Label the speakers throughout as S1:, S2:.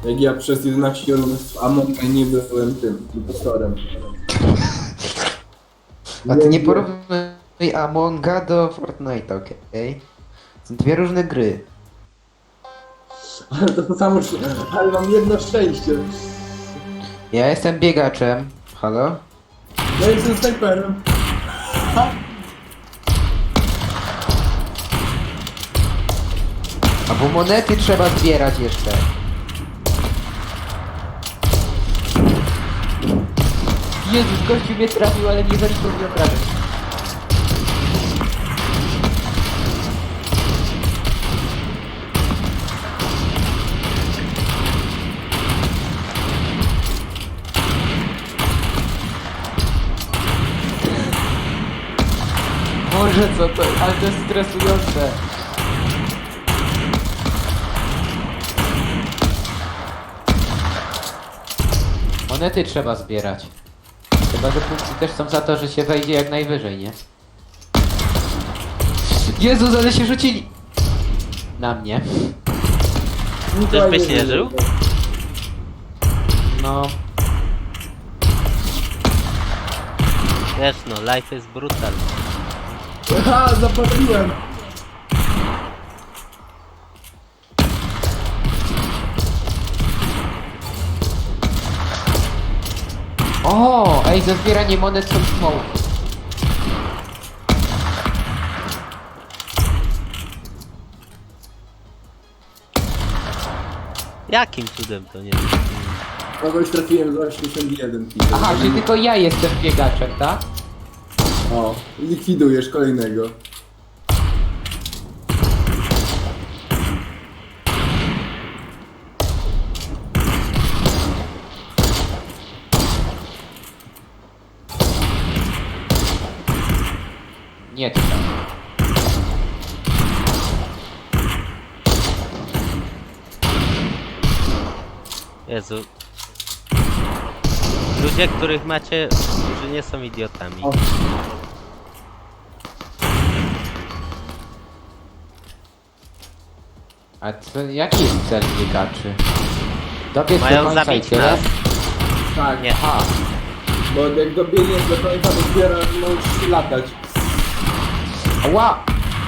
S1: Jak ja przez 11 rund w Amonga nie byłem tym impostorem.
S2: A ty nie porównuj Amonga do Fortnite'a, okej? Są dwie różne gry.
S1: Ale to samo, ale mam jedno szczęście.
S2: Ja jestem biegaczem. Halo?
S1: Ja jestem snajperem. Ha?
S2: A bo monety trzeba zbierać jeszcze. Jezus, gościu mnie trafił, ale nie zaliczył mi obrażeń. Boże, co to? Ale to jest stresujące. Monety trzeba zbierać. Chyba, że punkty też są za to, że się wejdzie jak najwyżej, nie? Jezus, ale się rzucili! Na mnie.
S3: Ktoś byś nie żył?
S2: No.
S3: Wiesz no, life is brutal.
S1: Aha, zapaliłem.
S2: O, ej, za zbieranie monet są smoke.
S3: Jakim cudem to nie wiem.
S1: Kogoś trafiłem za 81 kg.
S2: Aha, czyli tylko ja jestem biegaczem, tak?
S1: O, likwidujesz kolejnego.
S2: Nie, to tam.
S3: Jezu. Ludzie, których macie, którzy nie są idiotami.
S1: O.
S2: A co, jaki jest cel biegaczy? Dobiec do
S3: Mają
S2: końca i
S3: zabić
S2: tyle?
S3: nas.
S1: Tak,
S3: Nie.
S2: Aha.
S1: bo jak dobiegniesz do końca, to zbierasz, możesz latać.
S2: Ła!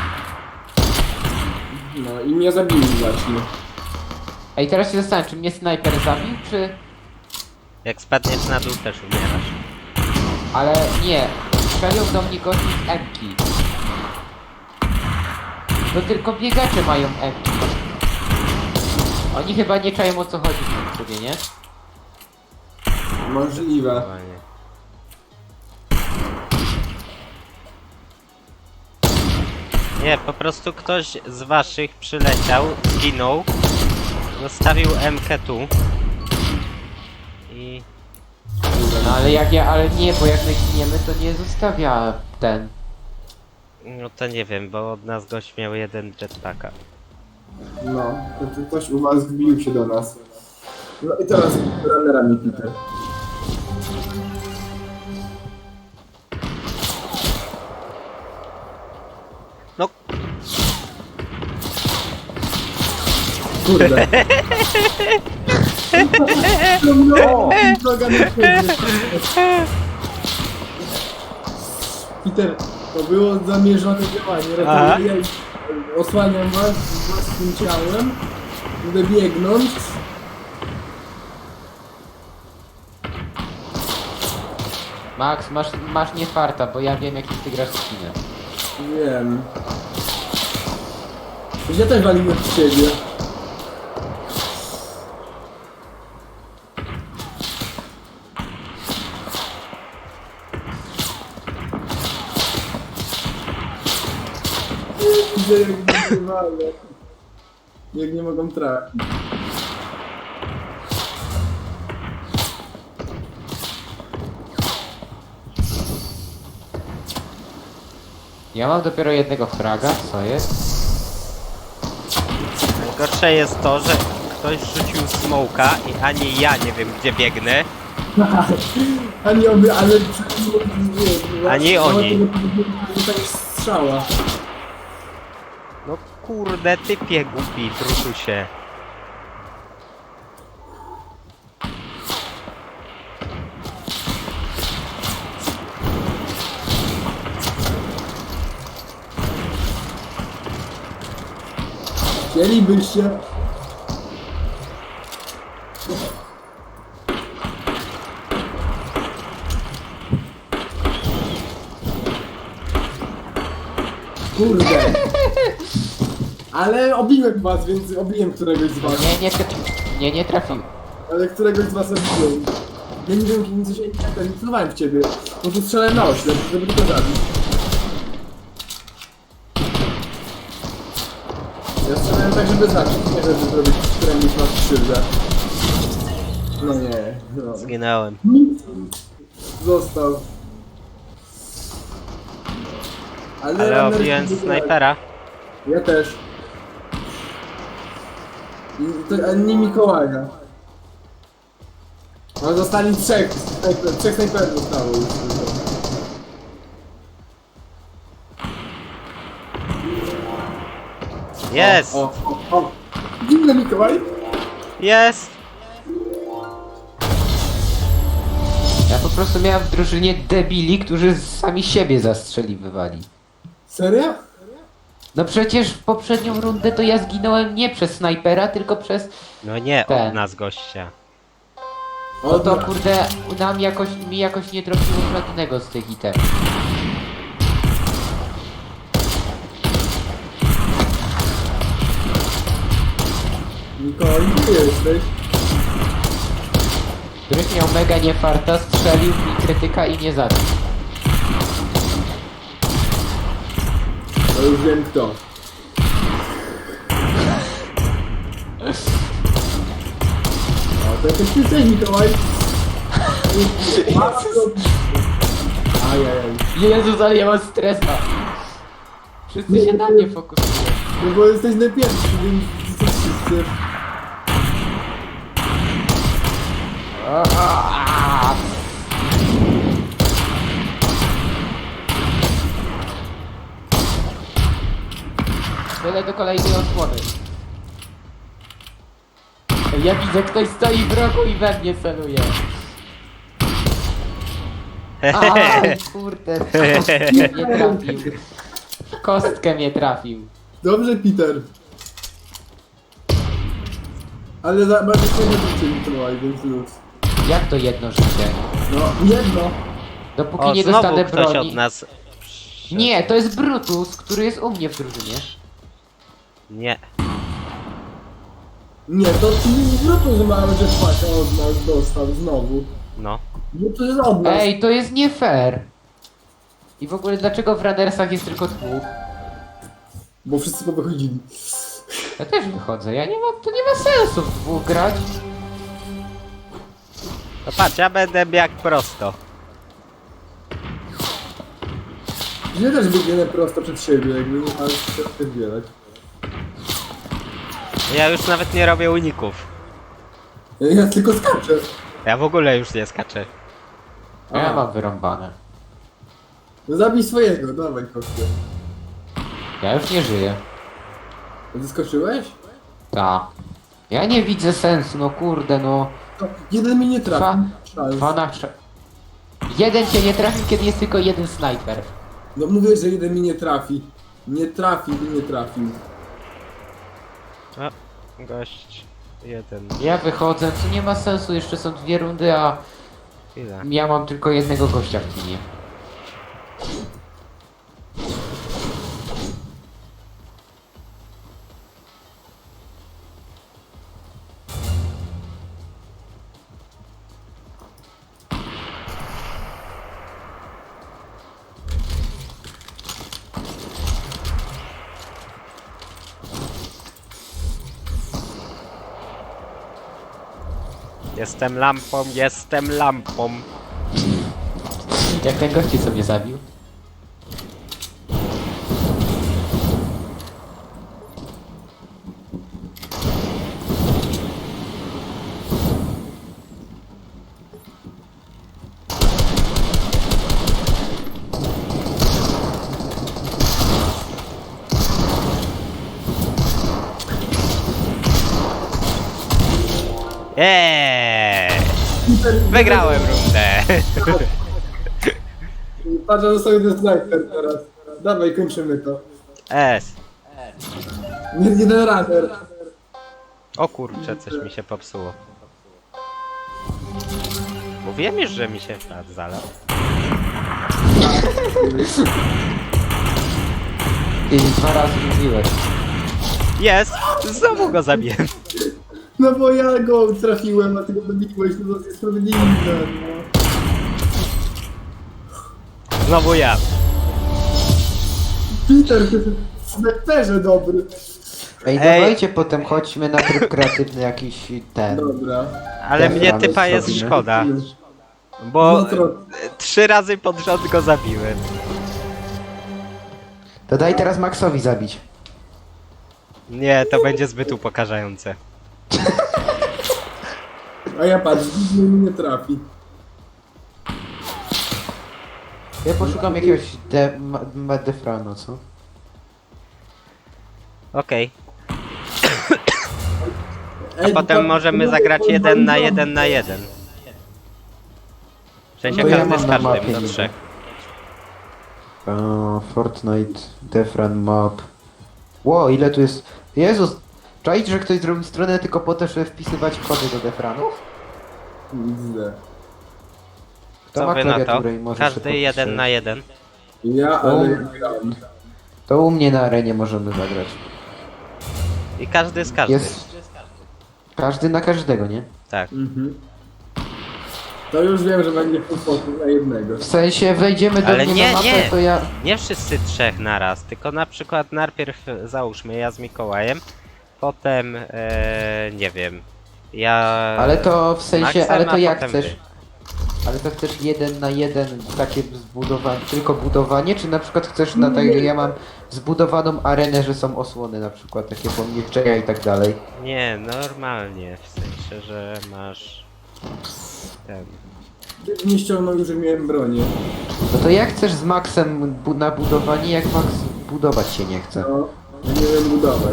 S1: No i mnie zabili właśnie.
S2: Ej, teraz się zastanawiam, czy mnie snajper zabił, czy...
S3: Jak spadniesz na dół, też umierasz.
S2: Ale nie. Strzelił do mnie gości z Epki. To tylko biegacze mają Epki. Oni chyba nie czają, o co chodzi w tym sobie, nie?
S1: Możliwe.
S3: Zdecydowanie. Nie, po prostu ktoś z waszych przyleciał, zginął, zostawił MK tu i...
S2: No ale nie, bo jak my giniemy, to nie zostawia ten.
S3: No to nie wiem, bo od nas gość miał jeden jetpacka.
S1: No, to ktoś u was wbił się do nas. No i teraz runnerami Peter.
S3: No,
S1: Kurde. No, droga na ciebie. Peter, to było zamierzone działanie. Ratuję, osłaniam was z własnym ciałem. Będę biegnąć.
S2: Max, masz nie farta, bo ja wiem, jaki ty grasz skinę.
S1: Wiem. Ja też waliłem w ciebie. Widzę jak nie walę. Jak nie mogą trafić.
S2: Ja mam dopiero jednego fraga, co jest?
S3: najgorsze jest to, że ktoś rzucił smoka i ani ja nie wiem gdzie biegnę,
S1: Ani oby, ale nie,
S3: Ani oni.
S1: Nie tak strzała.
S3: no kurde typie głupi, drutusie.
S1: Chcielibyście... Kurde. Ale obiłem was, więc obiłem któregoś z was.
S2: Nie trafił.
S1: Ale któregoś z was obiłem. Ja nie wiem, coś nie celowałem w ciebie. Po prostu strzelałem na oślep, żeby tylko zabić. Ja strzelałem tak, żeby zabić, nie żeby zrobić któremuś was krzywdę. No nie, no.
S3: Zginąłem.
S1: Został.
S3: Ale
S1: runner
S3: obiłem
S1: się
S3: snajpera.
S1: Ja też. I to nie Mikołaja. No zostali trzech snajperów zostało już tylko.
S3: Jest!
S1: O. Dziwny Mikołaj.
S3: Jest!
S2: Ja po prostu miałem w drużynie debili, którzy sami siebie zastrzeliwywali.
S1: Serio?
S2: No przecież w poprzednią rundę to ja zginąłem nie przez snajpera, tylko przez...
S3: No nie
S2: Ten.
S3: od nas gościa.
S2: No to kurde, mi jakoś nie trafiło żadnego z tych itemów.
S1: Mikołaj, gdzie jesteś?
S2: Któryś miał mega niefarta, strzelił mi krytyka i nie zabił.
S1: To już wiem kto. O, to jakiś ty Mikołaj. Ajajaj.
S2: Jezus, ale ja mam stresa. Wszyscy się na mnie fokusują.
S1: No bo jesteś najpierwszy, więc co wszyscy.
S2: Tyle do kolejnej osłony. Ja widzę, ktoś stoi w rogu i we mnie celuje. Aj, kurde, nie trafił. W kostkę mnie trafił.
S1: Dobrze, Peter. Ale bardzo fajnie życie Mikołaj, więc luz.
S2: Jak to jedno życie?
S1: No, jedno.
S2: Dopóki
S3: O,
S2: nie
S3: znowu
S2: dostanę
S3: ktoś
S2: broni...
S3: od nas...
S2: Nie, to jest Brutus, który jest u mnie w drużynie.
S3: Nie.
S1: Nie, to Brutus ma jetpacka od nas dostał znowu.
S3: No.
S1: No to jest od nas.
S2: Ej, to jest nie fair. I w ogóle dlaczego w Runnersach jest tylko dwóch?
S1: Bo wszyscy powychodzili.
S2: Ja też wychodzę, to nie ma sensu w dwóch grać.
S3: No patrz, ja będę jak prosto.
S1: Ja też biegnę prosto przed siebie, jakby nie ma się odpierdzielać.
S3: Ja już nawet nie robię uników.
S1: Ja tylko skaczę.
S3: Ja w ogóle już nie skaczę.
S2: A ja mam wyrąbane.
S1: No zabij swojego, dawaj kosztę.
S2: Ja już nie żyję.
S1: A ty skoczyłeś?
S2: Ta. Ja nie widzę sensu, no kurde, no.
S1: To jeden mi nie trafi. Szans.
S2: Jeden cię nie trafił, kiedy jest tylko jeden snajper.
S1: No mówię, że jeden mi nie trafi. Nie trafił i nie trafił.
S3: O, gość. Jeden.
S2: Ja wychodzę, to nie ma sensu, jeszcze są dwie rundy, a
S3: Chwila.
S2: ja mam tylko jednego gościa w teamie.
S3: Jestem lampą, jestem lampą.
S2: Jak ten gości co mnie zabił?
S3: Wygrałem rundę.
S1: Patrz, że został jeden snajper teraz. Dawaj, kończymy to.
S3: S.
S1: Jeden runner.
S3: O kurczę, coś mi się popsuło. Mówiłem już, że mi się pad zalał.
S2: Ty 2 razy mówiłeś.
S3: Jest! Znowu go zabiłem.
S1: No bo ja go trafiłem, a ty go dobiłeś, no to jest niesprawiedliwe, no.
S3: Znowu ja.
S1: Peter, ty w snajperze dobry.
S2: Ej,
S3: Ej.
S2: dawajcie potem chodźmy na tryb kreatywny jakiś ten.
S1: Dobra.
S3: Ale
S2: Dobra,
S3: mnie
S2: my
S3: typa jest
S2: zrobimy.
S3: szkoda. Bo
S1: No to-
S3: 3 razy pod rząd go zabiłem.
S2: To daj teraz Maxowi zabić.
S3: Nie, to będzie zbyt upokarzające.
S1: A ja patrz, nigdy mnie nie trafi.
S2: Ja poszukam jakiegoś Defrano, co?
S3: Okej.
S1: Ej,
S3: Potem
S1: to-
S3: możemy
S1: to-
S3: zagrać
S1: to-
S3: 1 na 1 na 1. W sensie
S2: No ja
S3: każdy
S2: mam
S3: z
S2: na
S3: każdym
S2: mapie
S3: do
S2: niby.
S3: 3.
S2: Fortnite, Defran Map. Ło, ile tu jest... Jezus! Czaić, że ktoś zrobił stronę tylko po to, żeby wpisywać kody do Defranów?
S1: Widzę.
S2: Kto
S3: Co
S2: ma
S3: wy na to?
S2: klawiaturę i może
S3: Każdy
S2: sobie
S3: 1
S2: podpisać?
S3: na 1.
S1: Ja, ale gram.
S2: To u mnie na arenie możemy zagrać.
S3: I każdy z każdym.
S2: Jest... Każdy na każdego, nie?
S3: Tak.
S1: Mhm. To już wiem, że będzie full focus na jednego.
S2: W sensie wejdziemy do
S3: Ale
S2: mnie
S3: nie,
S2: na mapę,
S3: nie.
S2: to ja...
S3: Nie wszyscy 3 naraz, tylko na przykład najpierw załóżmy ja z Mikołajem, potem nie wiem. Ja.
S2: Ale to w sensie,
S3: Maxem,
S2: ale to
S3: a
S2: jak
S3: potem
S2: chcesz?
S3: wy.
S2: Ale to chcesz 1 na 1 takie zbudowanie, tylko budowanie, czy na przykład chcesz na tak, ja mam zbudowaną arenę, że są osłony na przykład, takie pomniejszenia i tak dalej.
S3: Nie, normalnie, w sensie, że masz. Ten.
S1: Nie ściągnął już, że miałem bronię.
S2: No to jak chcesz z Maxem na budowanie, jak Max budować się nie chce?
S1: No, ja nie wiem budować.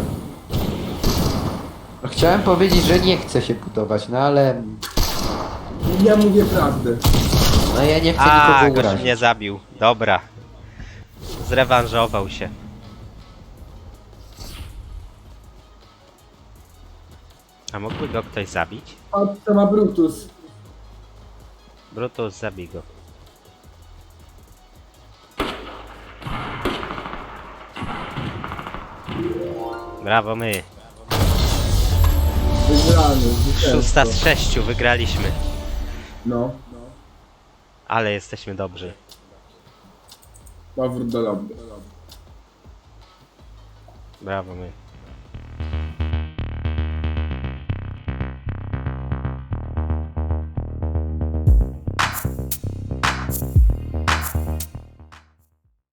S2: No, chciałem powiedzieć, że nie chce się budować, no ale...
S1: Ja mówię prawdę.
S2: No ja nie chcę
S3: A,
S2: nikogo
S3: gość
S2: urazić.
S3: mnie zabił. Dobra. Zrewanżował się. A mógłby go ktoś zabić?
S1: Patrz, to ma Brutus.
S3: Brutus, zabij go. Brawo my.
S1: Wygrany,
S3: 6 z 6 wygraliśmy.
S1: No.
S3: Ale jesteśmy dobrzy.
S1: Powrót do lobby.
S3: Brawo my.